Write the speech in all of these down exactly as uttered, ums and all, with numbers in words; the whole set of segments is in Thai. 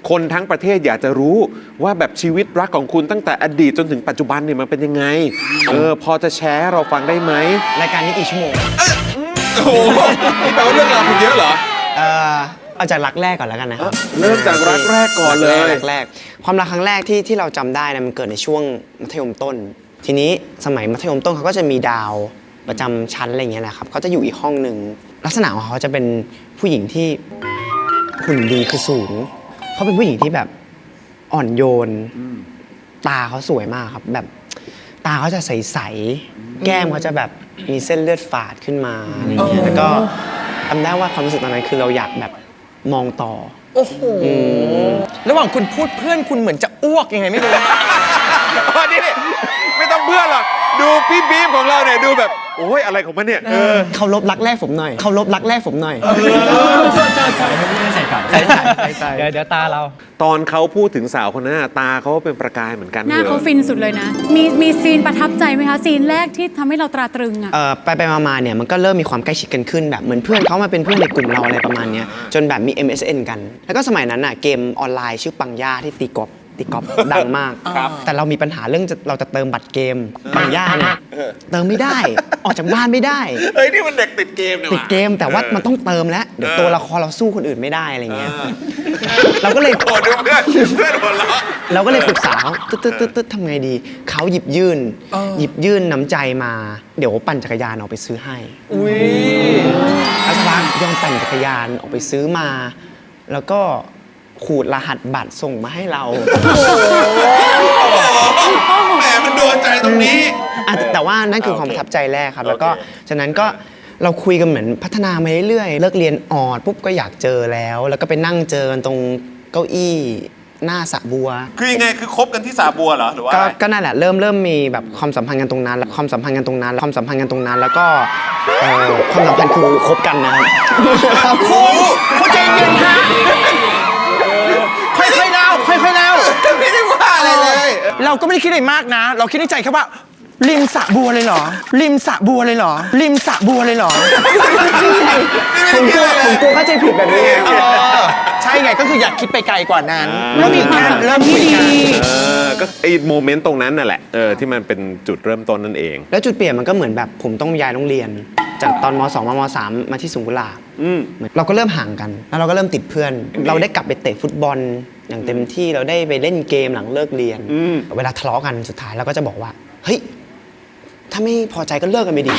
คนทั้งประเทศอยากจะรู้ว่าแบบชีวิตรักของคุณตั้งแต่อดีตจนถึงปัจจุบันเนี่ยมันเป็นยังไงเออพอจะแชร์เราฟังได้ไหมรายการนี้กี่ชั่วโมงโอ้โหนี่แปลว่าเรื่องราวคุณเยอะเหรอเออเอาจากรักแรกก่อนแล้วกันนะครับเริ่มจากรักแรกก่อนเลยรักแรกความรักครั้งแรกที่ที่เราจำได้นะมันเกิดในช่วงมัธยมต้นทีนี้สมัยมัธยมต้นเขาก็จะมีดาวประจำชั้นอะไรเงี้ยนะครับเขาจะอยู่อีกห้องหนึ่งลักษณะของเขาจะเป็นผู้หญิงที่หุ่นดีคือสูงเขาเป็นผู้หญิงที่แบบอ่อนโยนตาเขาสวยมากครับแบบตาเขาจะใสๆแก้มเขาจะแบบมีเส้นเลือดฝาดขึ้นมาอะไรเงี้ยแล้วก็จำได้ว่าความรู้สึกตอนนั้นคือเราอยากแบบมองต่อโอ้โหระหว่างคุณพูดเพื่อนคุณเหมือนจะอ้วกยังไงไม่รู้นี่ไม่ต้องเพื่อนหรอกดูพี่บีมของเราเนี่ยดูแบบโอ้ยอะไรของมันเนี่ยเขาลบรักแรกผมหน่อยเขาลบรักแรกผมหน่อยใส่ก่อนใส่ใส่เดี๋ยวเดี๋ยวตาเราตอนเขาพูดถึงสาวคนนั้นตาเขาเป็นประกายเหมือนกันหน้าเขาฟินสุดเลยนะมีมีซีนประทับใจไหมคะซีนแรกที่ทำให้เราตราตรึงอ่ะเออไปไปมาๆเนี่ยมันก็เริ่มมีความใกล้ชิดกันขึ้นแบบเหมือนเพื่อนเขามาเป็นเพื่อนในกลุ่มเราอะไรประมาณนี้จนแบบมี เอ็ม เอส เอ็น กันแล้วก็สมัยนั้นอ่ะเกมออนไลน์ชื่อปังย่าที่ตีกอล์ฟตีกอล์ฟดังมากแต่เรามีปัญหาเรื่องเราจะเติมบัตรเกมปังย่าเนี่ยเติมไม่ได้ออกจากบ้านไม่ได้เฮ้ยนี่มันเด็กติดเกมเนี่ยติดเกมแต่ว่ามันต้องเติมแล้วเดี๋ยวตัวละครเราสู้คนอื่นไม่ได้อะไรเงี้ยเราก็เลยโกรธเพื่อนเพื่อนหัวเราะเราก็เลยปรึกษาเขาตึ๊ดตึ๊ดตึ๊ดตึ๊ดทำไงดีเขาหยิบยื่นหยิบยื่นน้ำใจมาเดี๋ยวปั่นจักรยานออกไปซื้อให้อุ้ยอาชวังยอมปั่นจักรยานออกไปซื้อมาแล้วก็ขูดรหัสบัตรส่งมาให้เราแหมมันโดนใจตรงนี้แต่ว่านั่นคือความประทับใจแรกครับแล้วก็ฉะนั้นก็เราคุยกันเหมือนพัฒนามาเรื่อยๆเลิกเรียนออดปุ๊บก็อยากเจอแล้วแล้วก็ไปนั่งเจอกันตรงเก้าอี้หน้าสระบัวคือยังไงคือคบกันที่สระบัวเหรอหรือว่าก็นั่นแหละเริ่มเริ่มมีแบบความสัมพันธ์กันตรงนั้นแล้วความสัมพันธ์กันตรงนั้นความสัมพันธ์กันตรงนั้นแล้วก็ความสัมพันธ์คือคบกันนะครับครูครูใจเย็นฮะค่อยๆเล่าค่อยๆเล่าไม่ได้ว่าอะไรเลยเราก็ไม่ได้คิดอะไรมากนะเราคิดในใจแค่ว่าริมสระบัวเลยเหรอริมสระบัวเลยเหรอริมสระบัวเลยเหรอผมกลัวผมกลัวเข้าใจผิดแบบนี้ใช่ไงก็คืออยากคิดไปไกลกว่านั้นแล้วมีความสัมพันธ์ที่ดีก็ไอ้โมเมนต์ตรงนั้นน่ะแหละเออที่มันเป็นจุดเริ่มต้นนั่นเองแล้วจุดเปลี่ยนมันก็เหมือนแบบผมต้องย้ายโรงเรียนจากตอนม.สอง มาม.สาม มาที่สุงกุลาเราก็เริ่มห่างกันแล้วเราก็เริ่มติดเพื่อนเราได้กลับไปเตะฟุตบอลอย่างเต็มที่เราได้ไปเล่นเกมหลังเลิกเรียนเวลาทะเลาะกันสุดท้ายเราก็จะบอกว่าเฮ้ยถ้าไม่พอใจก็เลิกกันไปดิ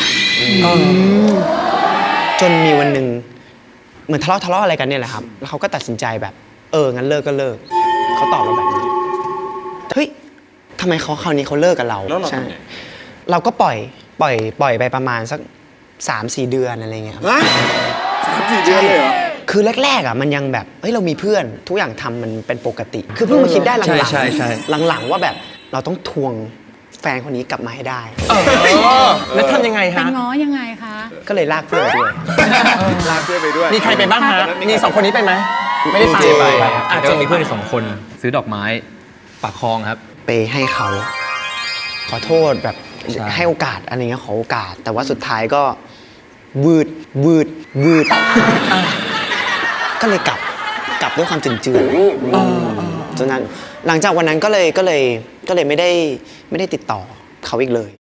จนมีวันหนึ่งเหมือนทะเลาะทะเลาะอะไรกันเนี่ยแหละครับแล้วเขาก็ตัดสินใจแบบเอองั้นเลิกก็เลิกเขาตอบมาแบบนี้เฮ้ยทำไมเขาคราวนี้เขาเลิกกับเราใช่เราก็ปล่อยปล่อยปล่อยไปประมาณสักสามสี่เดือนอะไรเงี้ยครับสามสี่เดือนเลยเหรอคือแรกๆอ่ะมันยังแบบเฮ้ยเรามีเพื่อนทุกอย่างทำมันเป็นปกติคือเพิ่งมาคิดได้หลังๆหลังๆว่าแบบเราต้องทวงแฟนคนนี้กลับมาให้ได้แล้วทำยังไงฮะเป็นง้อยังไงคะก็เลยลากเพื่อนไปด้วยลากเพื่อนไปด้วยมีใครไปบ้างฮะมีสองคนนี้ไปไหมไม่ได้ไปอาจจะมีเพื่อนสองคนซื้อดอกไม้ปากคลองครับไปให้เขาขอโทษแบบให้โอกาสอะไรเงี้ยขอโอกาสแต่ว่าสุดท้ายก็วืดวืดวืดก็เลยกลับกลับด้วยความจืดจืดจนนั้นหลังจากวันนั้นก็เลยก็เลยก็เลยไม่ได้ไม่ได้ติดต่อเขาอีกเลย